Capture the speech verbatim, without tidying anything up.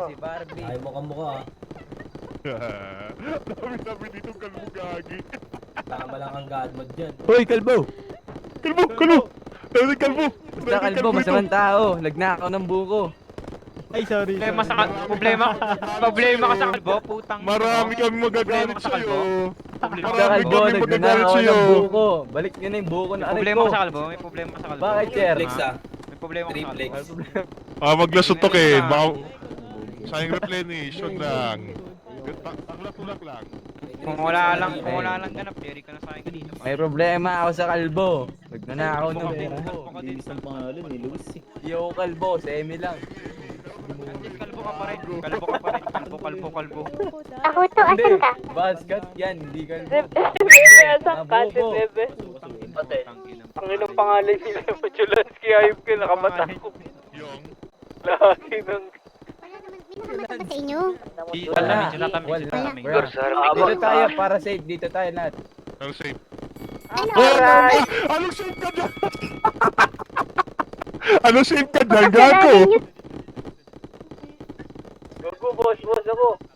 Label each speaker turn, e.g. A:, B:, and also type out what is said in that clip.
A: Si Barbie.
B: Ayaw mo kamukha ah.
C: Dami-dami dito kalbo gagi.
B: Tama lang ang god mod dyan.
D: Hoy, kalbo!
C: Kalbo! Kalbo! Dami kalbo!
A: Basta kalbo, masamang tao. Lagnakaw ng buko.
D: Ay, sorry.
E: Problema sa problema. Problema ka sa kalbo, putang.
C: Marami kami magagalit
E: Problema ka sa kalbo.
C: sa'yo.
A: Sa
C: Marami
A: kalbo,
C: kami magagalit
A: nagnanakaw
C: sa'yo.
A: ng buko. Balik nyo na yung buko na
E: May
A: aray
E: problema
A: ko.
E: ka sa kalbo, may problema ka sa kalbo.
A: Bakit, sir?
B: Triplex ah.
E: May problema ka sa
B: Triplex.
E: kalbo.
C: Ah, maglasot to Ken. Baka... Sayang replenition lang. Tulak-tulak lang.
E: Kung wala lang, kung wala lang ganap, Jerry ka na sa akin kanina.
A: May problema ako sa kalbo. Nagnanakaw ng
E: Kalbo
A: buko.
E: ka din.
D: Bilis ng pangalan ni Luis eh.
A: Di ako kalbo, semi lang.
E: Kalbo ka pa rin. Kalbo ka pa rin. Kalbo, kalbo, kalbo.
F: Ako to,
A: Hindi,
F: asan ka?
A: basket yan, hindi kalbo.
F: Bebe, asan ka? Si
A: Nabuko.
F: Bebe.
E: Ang
F: inong pangalan nila yung Chulansky, ayop ko, nakamata ko.
C: Yung...
F: Lagi ng...
G: Wala naman, hindi naman ba sa inyo?
A: Wala.
E: Tatamin, tatamin,
A: Wala.
E: tatamin.
A: Bro. Dito tayo, para safe. Dito tayo lahat.
C: Ano safe?
G: Ano?
C: Oh, anong safe ka dyan? Anong safe ka dyan, gago?
F: Gago, boss, boss ako.